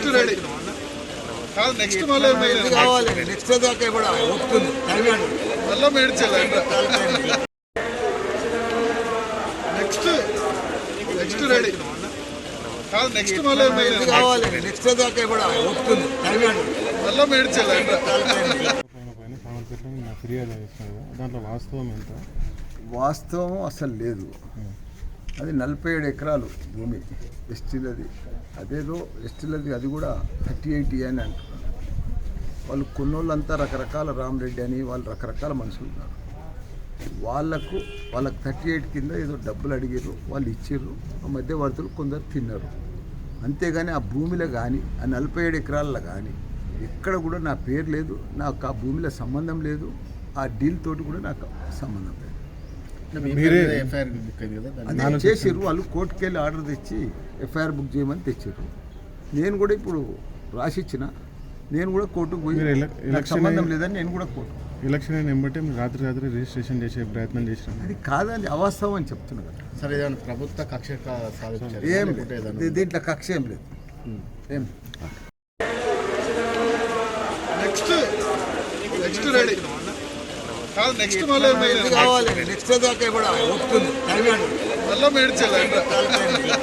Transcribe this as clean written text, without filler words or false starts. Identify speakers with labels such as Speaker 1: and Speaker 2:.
Speaker 1: Next ready కాదు next మళ్ళీ
Speaker 2: కావాలి నెక్స్ట్ దాకా కూడా ఒప్పుకుంది
Speaker 1: మళ్ళీ మేడ్చాలి నెక్స్ట్ నెక్స్ట్ రెడీ కాదు నెక్స్ట్ మళ్ళీ
Speaker 2: కావాలి నెక్స్ట్ దాకా కూడా ఒప్పుకుంది
Speaker 1: మళ్ళీ మేడ్చాలి
Speaker 3: ఫిర్యాదు చేస్తున్నారు దాంట్లో వాస్తవం ఎంత?
Speaker 2: వాస్తవం అసలు లేదు. అది 47 ఎకరాలు భూమి ఎస్టీలది. అదేదో ఎస్టీలది అది కూడా 38 అని అంటున్నారు. వాళ్ళు కొన్నోళ్ళంతా రకరకాల రామరెడ్డి అని వాళ్ళు రకరకాల మనుషులు ఉన్నారు. వాళ్ళకు 38 కింద ఏదో డబ్బులు అడిగారు, వాళ్ళు ఇచ్చారు. ఆ మధ్యవర్తులు కొందరు తిన్నారు. అంతేగాని ఆ భూమిలో కానీ ఆ 47 ఎకరాల్లో కానీ ఎక్కడ కూడా నా పేరు లేదు, నాకు ఆ భూమిలో సంబంధం లేదు, ఆ డీల్ తోటి కూడా నాకు సంబంధం లేదు. అది చేసారు వాళ్ళు, కోర్టుకు వెళ్ళి ఆర్డర్ తెచ్చి ఎఫ్ఐఆర్ బుక్ చేయమని తెచ్చారు. నేను కూడా ఇప్పుడు రాసిచ్చిన, నేను కూడా కోర్టుకు పోయి నాకు సంబంధం లేదని నేను కూడా కోర్టు
Speaker 3: ఎలక్షన్ అయిన వెంబటే మీరు రాత్రి రిజిస్ట్రేషన్ చేసే ప్రయత్నం చేసినాం.
Speaker 2: అది కాదని అవాస్తవం అని చెప్తున్నా కదా.
Speaker 4: సరే ఏదైనా ప్రభుత్వ కక్ష
Speaker 2: ఏం లేదు, దీంట్లో కక్ష ఏం లేదు. ఏం
Speaker 1: నెక్స్ట్ నెక్స్ట్ రెడీ కాదు నెక్స్ట్ మళ్ళీ
Speaker 2: కావాలి నెక్స్ట్ దాకా కూడా ఒప్పుకుంది
Speaker 1: మళ్ళీ మేడ్చాలి